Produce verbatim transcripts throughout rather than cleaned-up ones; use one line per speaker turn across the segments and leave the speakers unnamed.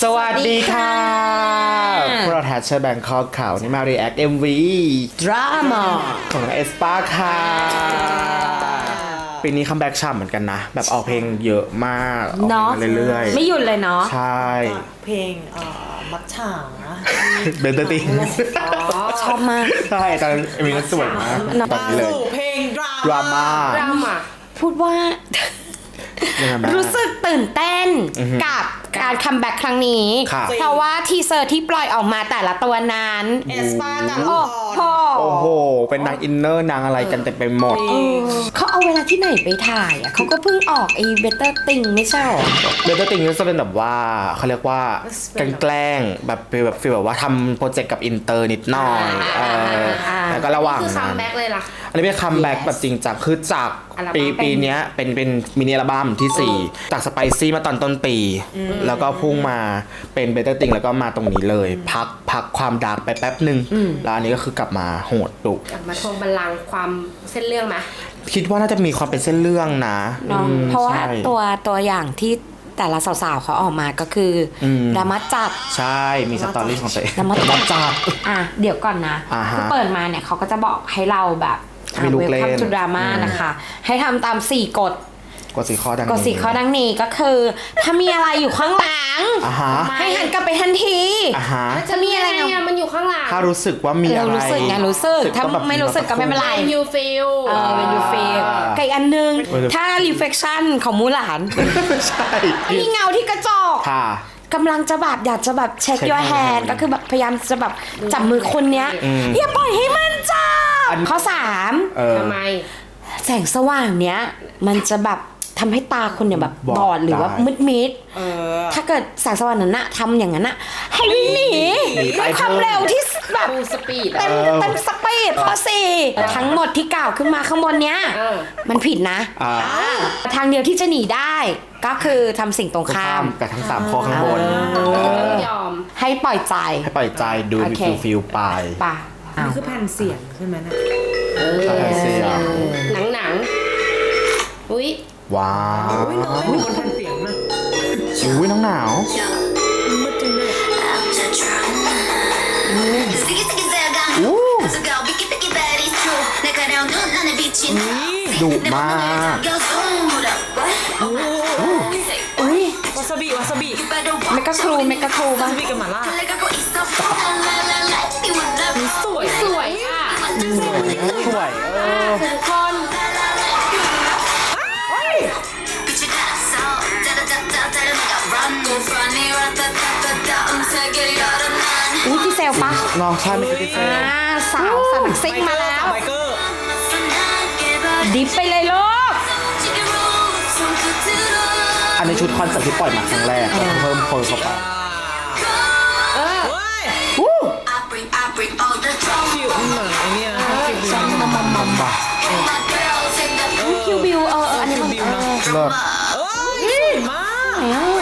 สวัสดีค่ะพวกเราแทชเชอร์แบงคอกข่าวนี่มา react เอ็ม วี
ดราม่า
ของเอสปาค่ะปีนี้คัมแบ็กช่ำเหมือนกันนะแบบออกเพลงเยอะมากออกเพลงเรื่อยๆ
ไม่หยุดเลยเนาะ
ใช่
เพลงเอ่อมักฉางนะ
เบนเตอร์ติง
ชอบมาก
ใช่ตอนเอ็มวีนั้นสวยมากตอนนี้เลย
เพลง
ดราม่า
ดราม่าพูดว่ารู้สึกตื่นเต้นกับการคัมแบ็กครั้งนี้เพราะว่าทีเซอร์ที่ปล่อยออกมาแต่ละตัวนั้น
เอสปากับ
โอ้โห
โอ้โหเป็นนางอินเนอร์นางอะไรกันเต็มไปหมด
เขาเอาเวลาที่ไหนไปถ่ายอ่ะเขาก็เพิ่งออกไอ้เบเตอร์ติงไม่ใช่หรอ
เบเตอร์ติงจะเป็นแบบว่าเขาเรียกว่าแกล้งแบบแบบฟีลแบบว่าทำโปรเจกต์กับอินเตอร์นิดหน่อยแล้วก็ระหว่าง
คือคัมแบ็กเลยล่ะ
อันนี้เป็นคัมแบ็กแบบจริงจังคือจากปีปีนี้เป็นเป็นมินิอัลบั้มที่สี่จากสไปซี่มาตอนต้นปีแล้วก็พุ่งมาเป็นเบเตอร์ติงแล้วก็มาตรงนี้เลยพักพักความดาร์กไปแป๊บหนึ่งแล้วอันนี้ก็คือกลับมาโหดดุ
กลับมาทวงบัลลังก์ความเส้นเรื่องไหม
คิดว่าน่าจะมีความเป็นเส้นเรื่องนะ
เพราะว่าตัวตัวอย่างที่แต่ละสาวๆเขาออกมาก็คือดราม่าจัด
ใช่มีสตอรี่ของตัวเอง
ดราม่าจัดอ่ะเดี๋ยวก่อนนะคือเปิดมาเนี่ยเขาก็จะบอกให้เราแบบ
มีลูกเล่น
จุดดราม่านะคะให้ทำตามสี่กฎ
กฎสี่ข้อดังนี้
กฎสี่ข้อดังนี้ก็คือถ้ามีอะไรอยู่ข้างหลังให้หันกลับไปทันทีจะมีอะไรมันอยู่ข้างหลัง
ถ้ารู้สึกว่ามีอะไร
รู้สึกไงรู้สึกถ้าไม่รู้สึกก็ไม่เป็นไร
you feel
เออ when you feel กับอีกอันนึงถ้า reflection ของมูหลาน
ใช่
มีเงาที่กระจกกำลังจะแบบอยากจะแบบเช็ค your hand ก็คือแบบพยายามจะแบบจับมือคนเนี้ยอย่าปล่อยให้มันจับข้อสาม
ทำไม
แสงสว่างเนี้ยมันจะแบบทำให้ตาคนเนี่ยแบบบอดหรือว่ามืดมิดถ้าเกิดแสงสว่างนั้นนะทำอย่างนั้นนะให้วิ่งหนีด้วยความเร็วที่แบบ
สปีด
เต็มเต็มสปีดข้อสี่ทั้งหมดที่กล่าวขึ้นมาข้างบนเนี้ยมันผิดนะทางเดียวที่จะหนีได้ก็คือทำสิ่งตรงข้าม
กับทั้งสามข้อข้างบน
ยอมให้ปล่อยใจ
ให้ปล่อยใจดูมีฟิลฟิลไป
ป่ะ
นี่คือแผ่นเสียงใช่ไหมนะ
แผ่นเสียง
หนังหนังอุ้ย
ว้าว
อุ้ยน้อยบนแผ่นเสียงนะ
อุ้ยน้องหนาว
มืดจริงเลย
ดุมาก
อุ้ยว
าซาบิวาซาบิ
เมกะครูเมกะครู
วาซาบิกับหม่าล่า
สวยสวยอ่ะ
สวยเออ
ทุกคน
อุ้ยที่เซลปะ
น้องใช่ไม่ใช่ที่เซล
สาวสันซิ่งมาแล้วดิฟไปเลยลูก
อันนี้ชุดคอนเสิร์ตที่ปล่อยมาครั้งแรกเพิ่มเพิ่มเข้าไป
เออ
วู้
คิวเหมือนไอเนี่ย
ซัมมัมมัมมัมบ้า
คิวบิวเอออันนี้มันเออ
เลิศ
เอ้ยสวยมาก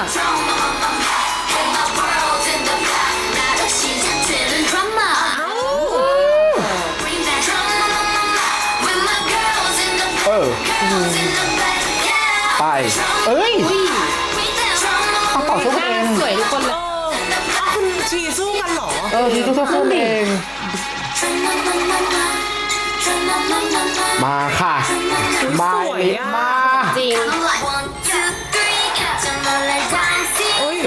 เออไปเอ้ยต้องต่อสู้กันเอง
สวยทุกคนเลย
คุณชีสู้กันหรอ
เออชีสู้สู้เองมาค่ะมามา
จริง
เอ้ย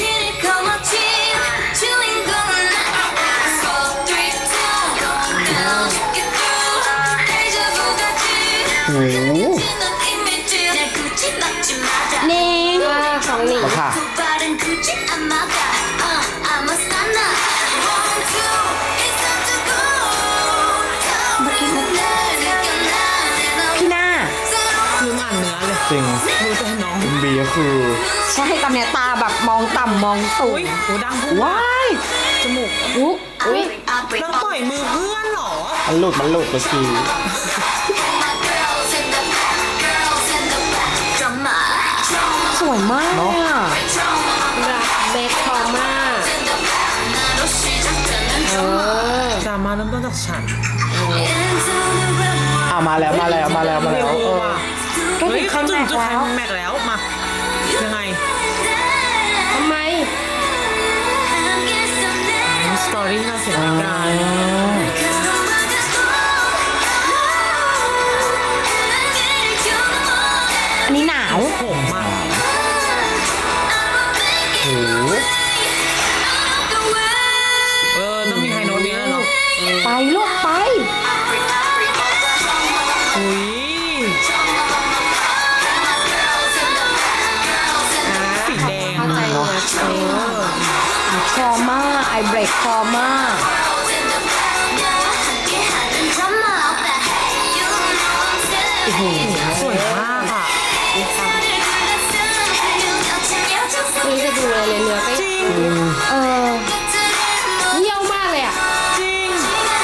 โอ้โห
นี่
ของหนิง
ค่ะ
พี่หน้า
ลืมอ่านเนื้อเลย
จริง
ดูแต่น้อง
คุณบีก็คือ
ใช่ตอนเนี้ยตาแบบมองต่ำมองสูง
โอ้ดังพูด
ว้าย
จมูก
อุ๊ยอุ๊ย
น้องต่อยมือเพื่อนหรอ
มันหลุดมันหลุดเมื่อกี้
สวยมาก
เนาะ
รักเบคคอม่า
เออดราม่าเริ่มต้นจากฉัน
อ่ะมาแล้วมาแล้วมาแล้วมาแล้ว
ก็ถึงขั้นแม็กแล้ว
แม็กแล้วมายังไง
ทำไม
เออต้องมีไฮโน้ตเนี้ยเนาะ
ไปลูกไป
อุ้ยสีแดง
เข้าใจเลยเออ
ทรมาไอเบรกทรมา
สวยมากอ่ะ
นี่จะดูเลยเลยเนื้อก็
จริง
เออ
เยี่ยวมากเลยอ่ะ
จริง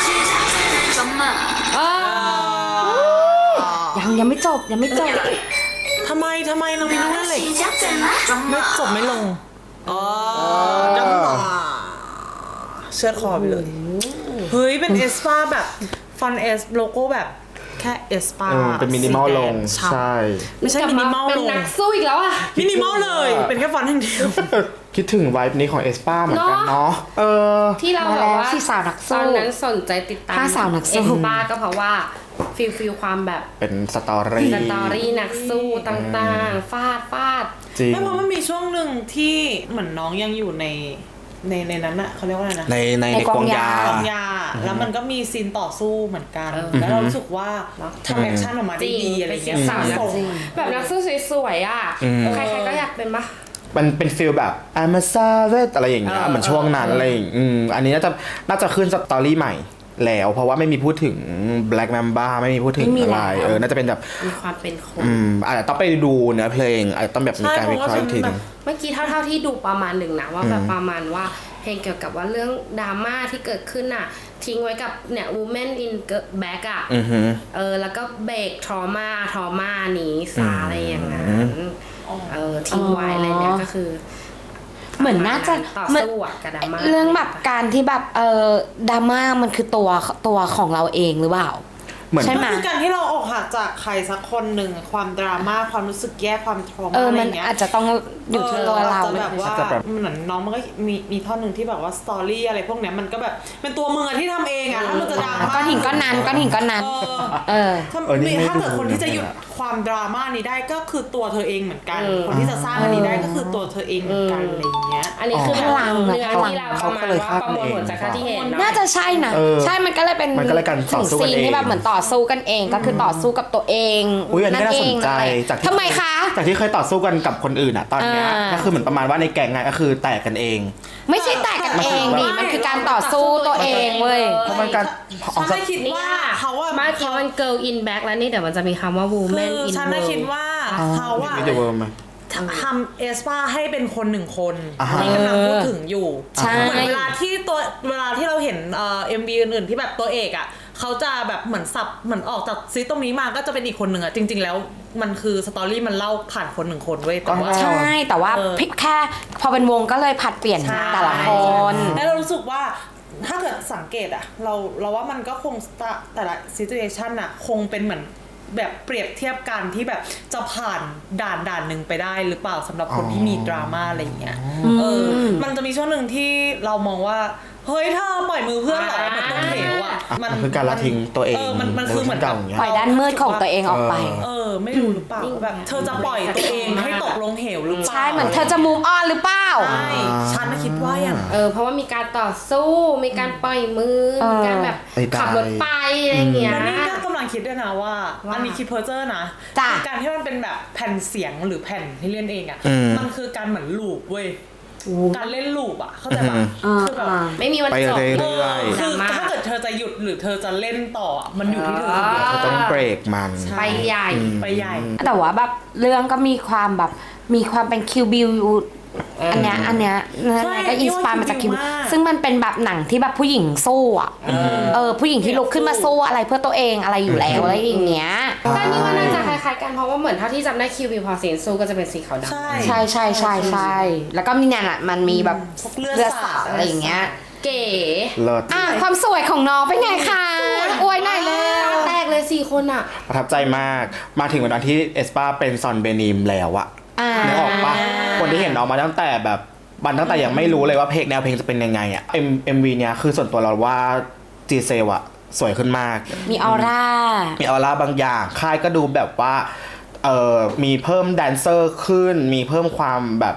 เออ
ยังยังไม่จบยังไม่จบ
ทำไมทำไมเรามีลูกเล่นเหล็กไม่จบไม่ลงอ๋อจังหวะเชือดคอไปเลย เฮ้ย เป็นเอสปาแบบฟอนเอสโลโก้แบบแค่เอสปา
เออเป็นมินิมอลลงใช่
ไม่ใช่มินิมอล
เป็น
ลง
นักสู้อีกแล้วอ่ะ
มินิมอลเลย เป็นแค่ฟอนต์อย่างเดียว
คิดถึงไวบ์นี้ของเอสปาเหมือนกัน
เนอะ
เนาะเออ
ที่เรา
มา
แบบ
แล้ว
ว่า
ที่สาวนักสู้
ตอนนั้นสนใจติดตาม
ห้าสาวนักสู้
เอสปาก็เพราะว่าฟิลฟิลความแบบ
เป็นสตอรี่
สตอรี่นักสู้ต่างๆ ฟาดฟาด
จริง
ไม่เพราะมันมีช่วงหนึ่งที่เหมือนน้องยังอยู่ในในในนั้นอะเขาเรียกว่าอะไรนะ
ในใน
ใน
ใน
ก
ก
อ
อง ง
ยา
ยา
กองยา แล้วมันก็มีซีนต่อสู้เหมือนกัน
เออ
แล้วเรารู้สึกว่าทำแอคชั่นออกมาได้ดีอะไรเงี้ย
สาวนัก
ส่ง
สู้แบบนักสู้สวยๆอ่ะ
อืม
ใครๆก็อยากเป็นปะ
มันเป็นฟิลแบบ I'm a savage อะไรอย่างเงี้ย
เออ
เหมือนช่วงนั้น
เอออ
อะไรอย่างอืมอันนี้น่าจะน่าจะขึ้นสตอรี่ใหม่แล้ว เพราะว่าไม่มีพูดถึง Black Mamba ไม่มีพูดถึง
ไม่มี
อะไร
แล้ว
เออน่าจะเป็นแบบ
มีความเป็นคน
อืมอาจจะต้องไปดูเนื้อเพลงอาจจะต้องแบบมีการวิเคราะห์อีกทีหนึง
เมื่อกี้เท่าๆที่ดูประมาณหนึ่งนะว่าแบบประมาณว่าเพลงเกี่ยวกับว่าเรื่องดราม่าที่เกิดขึ้นน่ะ ทิ้งไว้กับเนี่ย woman in back อ่ะ
อือฮึ
เออแล้วก็เบรกทรมาทรมานี้ซาอะไรอย่างนั้นเออทิ้งไว้อะไรเนี่ยก็คือ
เหมือนน่าจะ
ต่อ
เหมือน
สู้อะกับดราม่า
เรื่องแบบการที่แบบเออดราม่ามันคือตัวตัวของเราเองหรือเปล่า
เหมือน
ใช่ไหม
ก็คือการที่เราออกหักจากใครสักคนหนึ่งความดราม่าความรู้สึกแย่ความทรมา
เออ
อะไร
มัน
เงี้ย
อาจจะต้องอยู่ที่ตัวเรา
อออจจะแบบว่าเหมือนน้องมันก็มีมีท่อนหนึ่งที่แบบว่าสตอรี่อะไรพวกเนี้ยมันก็แบบเป็นตัวมึงอะที่ทำเองอะถ้ามึงจะดราม่า
ก้อนหินก้อนนั้นก้อนหินก้อนนั้น
เออ
เออ
ถ้า
เออนี่ไม่
ถ้าเกิด
ดู
คนที่จะหยุด
เลยอะ
ความดราม่านี้ได้ก็คือตัวเธอเองเหมือนกัน คนที่จะสร้างอันนี้ได้ก็คือตัวเธอเองเหมือนกันอะไรอย่างเงี้ย
อันนี้คือ
พลังอะ
เนื้อ
พลัง
ที่เราประมาณว่าประมวลผลจากการที่เห็นเนาะ
น่าจะใช่นะ
เออ
ใช่มันก็เลยเป็น
มันก็เลยการต่อสู้กัน
ถึงซีนที่
เอง
แบบเหมือนต่อสู้กันเองก็คือต่อสู้กับตัวเอง
อุ้ยอันนี้น่าสนใจ
อะไร
จากที่
ทำไมคะ
จากที่เคยต่อสู้กันกับคนอื่นอ่ะตอนเนี้ย
อ่า
ก็คือเหมือนประมาณว่าในแก๊งไงก็คือแตกกันเอง
ไม่ใช่แตกกันเองดิมันคือการต่อสู้ตัวเองเว้ย
เพราะมันการ
ฉันน่ะคิด
นี่
ว่า
อ่ะ
เขาอะ
เมื่อกี้มัน girl in back แล้วนี่เดี๋ยวมันจะมีคำว่า
คื
woman
อ
in
ฉันน่ะ
world
คิดว่าเขาอะ
ไม่จะเวิร์มไหม
ทำเอสปาให้เป็นคนหนึ่งคน
อ่าฮะ
ที่กำลังพูดถึงอยู่
ใช่
เหมือนเวลาที่ตัวเวลาที่เราเห็นเอ่อเอ็มบีอื่นๆที่แบบตัวเอกอ่ะเขาจะแบบเหมือนสับเหมือนออกจากซีตรงนี้มาก็จะเป็นอีกคนหนึ่งอ่ะจริง ๆ แล้วมันคือสตอรี่มันเล่าผ่านคนหนึ่งคนเว้ยแต่ว่า
ใช่แต่ว่า
เออ
พี่แค่พอเป็นวงก็เลยผัดเปลี่ยน
ใช่
แต่ละคน
แล้วเรารู้สึกว่าถ้าเกิดสังเกตอะเราเราว่ามันก็คงแต่ละซิทูเอชันอะคงเป็นเหมือนแบบเปรียบเทียบกันที่แบบจะผ่านด่านด่านหนึ่งไปได้หรือเปล่าสำหรับคนที่มีดราม่าอะไรอย่างเงี้ยเออมันจะมีช่วงหนึ่งที่เรามองว่าเฮ้ยเธอปล่อยมือเพื่อนเหรอเหมือนต้นเหวอะ
มันคือการละทิ้งตัวเอง
เออมันมันคือเหมือน
เก่าอย่างเงี้ย
ปล่อยด้านมืดของตัวเองออกไป
เออไม่รู้หรือเปล่าแบบเธอจะปล่อยตัวเองให้ตกลงเหวหรือเปล่า
ใช่เหมือนเธอจะมูฟออนหรือเปล่า
ใช่ฉันน่ะคิดว่าอย่าง
เออเพราะว่ามีการต่อสู้มีการปล่อยมือ
เออ
มีการแบบ
ไปได้
ขับรถไปอะไรอย่างเงี้ย
แล้วนี่ก็กำลังคิดด้วยนะว่า
ว่า
อันนี้คิดเพอร์เจอร์นะ
จ้ะ
คือการที่มันเป็นแบบแผ่นเสียงหรือแผ่นที่เล่นเองอ่ะ
อืม
มันคือการเหมือนลูปเว้ยการเล่นลูปอ่ะเข้าใจปะ
อ่า
คือแบบ
อ่า
ไม่มีวัน
ไป
จบ
เรื่อยๆ
เออ
ด
คื
รา
อ
ม่า
ถ้าเกิดเธอจะหยุดหรือเธอจะเล่นต่ออะมันอยู่ที่เธอคนเดียว
เธอต้องเบรกมัน
ไปใหญ่
ไปใหญ่
แต่ว่าแบบเรื่องก็มีความแบบมีความเป็นคิวบิวอันเนี้ยอันเนี้ยนั่นไงก็อินสปายมาจากคิวซึ่งมันเป็นแบบหนังที่แบบผู้หญิงสู้อ่ะเออผู้หญิงที่ลุกขึ้นมาสู้อะไรเพื่อตัวเองอะไรอยู่แล้วอะไรอย่างเงี้ย
ก็นี่ว่าน่าจะคล้ายๆกันเพราะว่าเหมือนเท่าที่จำได้คิวบิวพอเสียงสู้ก็จะเป็นสีขาวดำ
ใช่
ใช่ใช่ใช่ใช่แล้วก็มีเนี่ยแหละมันมีแบบ
พวกเลือดสาด
อะไรอย่างเงี้ย
เก๋
เลิศ
อ่ะความสวยของน้องเป็นไงคะอวยหน่อยเลย
ตาแตกเลยสี่คนอ่ะ
ประทับใจมากมาถึงวันที่เอสปาเป็นซอนเบนิมแล้วอะ
อ่า
นึกออกปะคนที่เห็นน้องมาตั้งแต่แบบบันตั้งแต่ยังไม่รู้เลยว่าเพลงแนวเพลงจะเป็นยังไงอะเอ็มเอ็มวีเนี้ยคือส่วนตัวเราว่าจีเซลอะสวยขึ้นมาก
มีออร่า
มีออร่าบางอย่างค่ายก็ดูแบบว่าเออมีเพิ่มแดนเซอร์ขึ้น มีเพิ่มความแบบ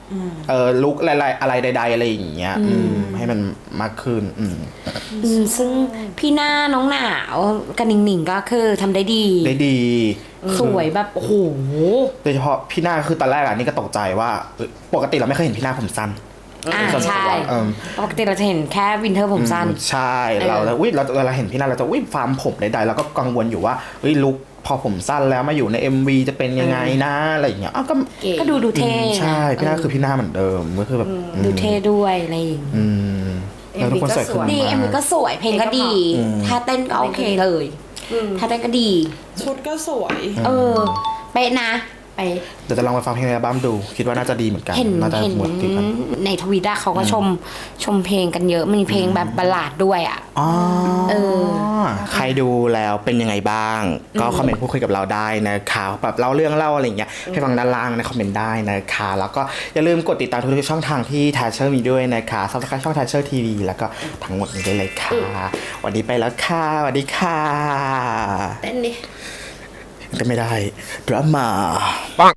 เออลุกอะไรอะไรใดๆอะไรอย่างเงี้ยอืมให้มันมากขึ้นอืม
อืมซึ่งพี่หน้าน้องหนาวกับหนิงหนิงก็คือทำได้ดี
ได้ดี
สวยแบบโอ้โห
โดยเฉพาะพี่หน้าคือตอนแรกอ่ะนี่ก็ตกใจว่าเอ้ยปกติเราไม่เคยเห็นพี่หน้าผมสั้น
อ่า
ส่วนตัว
ใช่
เออ
ปกติเราจะเห็นแค่วินเทอร์ผมสั้น
ใช่เราแล้วอุ้ยเราเวลาเห็นพี่หน้าเราจะอุ้ยฟาร์มผมใดๆเราก็กังวลอยู่ว่าเฮ้ยลุกพอผมสั้นแล้วมาอยู่ใน เอ็ม วี จะเป็นยังไงนะอะไรอย่างเงี้ยอ้าวก็
เก๋
ก็ดูดูเท่
ใช่พี่หน้าคือพี่หน้าเหมือนเดิมก็คือแบบ
ดูเท่ด้วยอะไรอย่างงี้
อืมแล้วทุกคนสวยขึ้น
ดี
มา
เอ็มวีก็สวยเพลงก็ดีถ้าเต้นก็โอเคเลยถ้าเต้นก็ดี
ชุดก็สวย
เออเป๊ะนะ
ไป
เดี๋ยวจะลองไปฟังเพลงในอัลบั้มดู คิดว่าน่าจะดีเหมือนกัน
เห็น
น่าจะ
เห็น
หมดที่กัน
ในทวิตอะเขาก็ชมชมเพลงกันเยอะมีเพลงแบบบัลลาดด้วยอะ
อ๋อ
เออ
ใครดูแล้วเป็นยังไงบ้าง ก็คอมเมนต์พูดคุยกับเราได้นะคะแบบเล่าเรื่องเล่าอะไรอย่างเงี้ยให้ฟังด้านล่างในคอมเมนต์ได้นะคะ แล้วก็อย่าลืมกดติดตามทุกๆช่องทางที่ Thatcher มีด้วยนะคะซับสไครต์ช่อง Thatcher ที วี แล้วก็ทั้งหมดนี้ได้เลยค่ะวันนี้ไปแล้วค่ะสวัสดีค่ะ
เต้นดิ
ก็ไม่ได้ดราม่า